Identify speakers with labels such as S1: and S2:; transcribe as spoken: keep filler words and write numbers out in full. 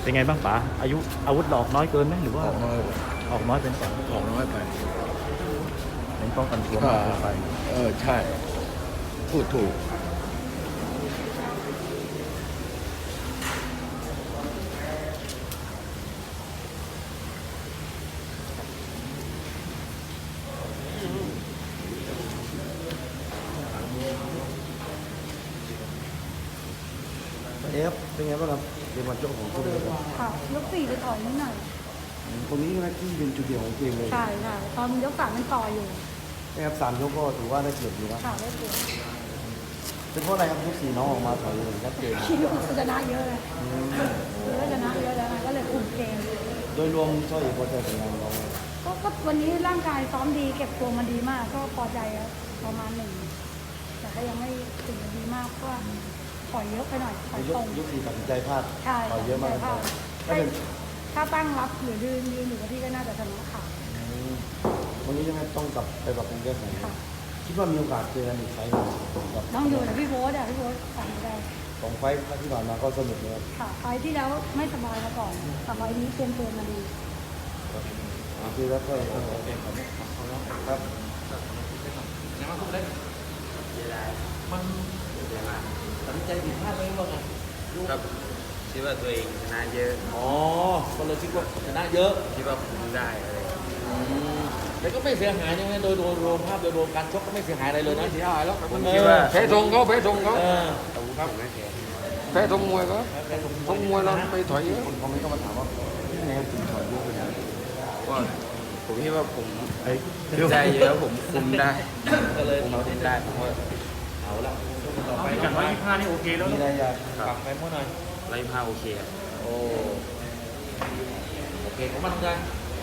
S1: เป็นไงบ้างป๋าอายุอาวุธดอกน้อยเกินไหมหรือว่า
S2: ออกน้อย
S1: ออกน้อยเป็นก่อน
S2: ออกน้อยไป
S1: เป็นป้องกันตัวมากเกินไป
S2: เออใช่พูดถูก
S3: เอฟเป็นไงบ้างครับเกมวันโจของคุณเลยครับ
S4: ค่ะยกสี่ไปต่อยนิดหน่อย
S3: ตรงนี้นะที่เป็นจุดเด่นของเกมเลย
S4: ใช่ค่ะตอนยกสามมันต่ออยู่
S3: นะครับสามยกก็ถือว่าได้เปรียบอยู่นะ
S4: ค่ะได้เปลี่ยน
S3: เป็นเพราะอะไรครับยกสี่น้องออกมาถอยเลยชัดเจน
S4: คิดว่าชนะเยอะเลยเยอะชนะเยอะแล้วไงก็เลยคุมเกม
S3: โดยรวมช่วยพอใจผลงานของเรา
S4: ก็ก็วันนี้ร่างกายซ้อมดีเก็บตัวมาดีมาก ก็พอใจแล้วประมาณหนึ่งแต่ก็ยังไม่ถึงกับดีมากเพราะว่าถอยเยอะไปหน่อยถอย
S3: ย
S4: ต
S3: ก
S4: รง
S3: ยกสี่ตัดสินใจพลาด
S4: ใช่
S3: ต่อยเยอะมาก
S4: ถ้า
S3: ถ้าเป็น
S4: ถ้าตั้งรับหรือยืนยืนอยู่กับที่ก็น่าจะชนะขาด
S3: วันนี้ยังไงต้องกลับไปปรับปรุงแก้ไข
S4: ค่ะ
S3: คิดว่ามีโอกาสเจอกันอีกไฟล์หนึ่งกับ
S4: ต้องอยู่กับพี่โบ๊ทอ่ะพี่โบ๊ทสั่งได้
S3: สองไฟล์ที่ผ่านมาก็สนุกเลยครับ
S4: ค่ะไฟล์ที่แล้วไม่สบายมาก่อนแต่ไฟล์นี้เตรียมตัวมาดี
S3: คือแล้วก็ครับ
S1: มันตัดสินใจผิดพลาดไหมว่าไง
S5: ครับคิดว่าตัวเองชนะเยอะ
S1: อ๋อก็เลยคิดว่าชนะเยอะ
S5: คิดว่าคุมได้อะไร
S1: แต่ก็ไม่เสียหายใช่ไหมโดยโดยรวมภาพโดยรวมการชกก็ไม่เสียหายอะไรเลยนะ
S2: ไม่เสียหายแล้ว
S5: ผมคิดว่า
S2: แพ้ทงเขาแพ้ทงเขา
S1: เออ
S5: ครับไม่แพ้
S2: แพ้ทงมวยเขาทงมวยเราไปถอยเยอะ
S3: คนคอมเมนต์ก็มาถามว่าที่ไหนถึงถอยเยอะขนาดนี้
S5: ว่าผมคิดว่าผม
S1: ไอ้
S5: ได้เยอะผมคุมได้
S1: ก็เลย
S5: ผมคุมได้ผมว่า
S1: เอาละต่อไปกันร้อยยี่สิบห้านี่โอเคแล้ว
S3: มีอะไรอยาก
S1: ปรับไปเมื่อหน่อย
S5: ไล่ผ้าโอเคครับ
S1: โอ้โอเคผมมาทำงาน